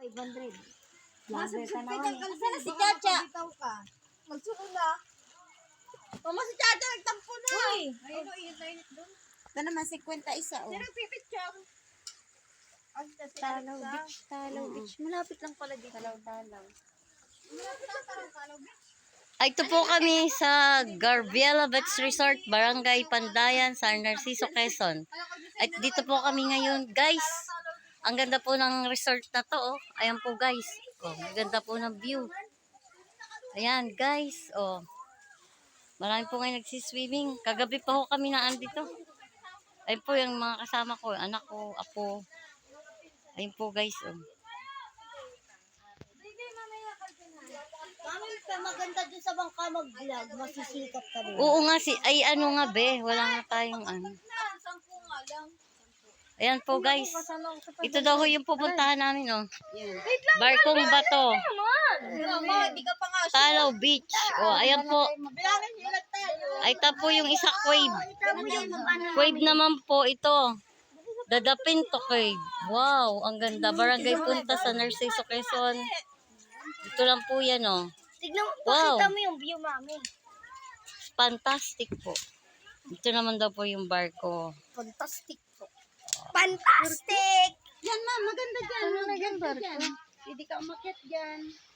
500. Masubscribe ka ng Sana si Chacha. Magsunod na. Mama si Chacha nagtampo na. Uy! Ayun o, init doon. Ito naman 51 oh. Sino pipicture? Talaw Beach, Talaw Beach. Malapit lang pala dito. Talaw. Ay, ito po kami sa Garbiela Beach Resort, Barangay Pandayan, San Narciso, Quezon. At dito po kami ngayon, guys. Ang ganda po ng resort na to, oh. Ayan po, guys. Oh, ang ganda po ng view. Ayan, guys. Oh. Marami po ngayon nagsiswimming. Kagabi pa ho kami na andito. Ayun po yung mga kasama ko, anak ko, apo. Ayun po, guys. Oh. Mami, maganda dun sa bangka mag-vlog. Masisikat ka rin. Oo nga, ay ano nga be, wala nga tayong ano. Sampu nga lang. Ayan po, guys. Ito daw ho yung pupuntahan namin, oh. Barkong Bato. Mama, di ka pa nga. Talaw Beach. Oh, ayan po. Bilangin nyo lang tayo. Ay, ito po yung isa Quave. Quave naman po ito. Dadapin to Quave. Wow, ang ganda. Barangay Punta sa Narciso, Quezon. Ito lang po yan, oh. Tignan mo, Wow. pakita mo yung view, mami. Fantastic po. Ito naman daw po yung barko. Fantastic po. Fantastic! Yan ma, maganda dyan. Ano na dyan, barko? Hindi ka umakyat dyan.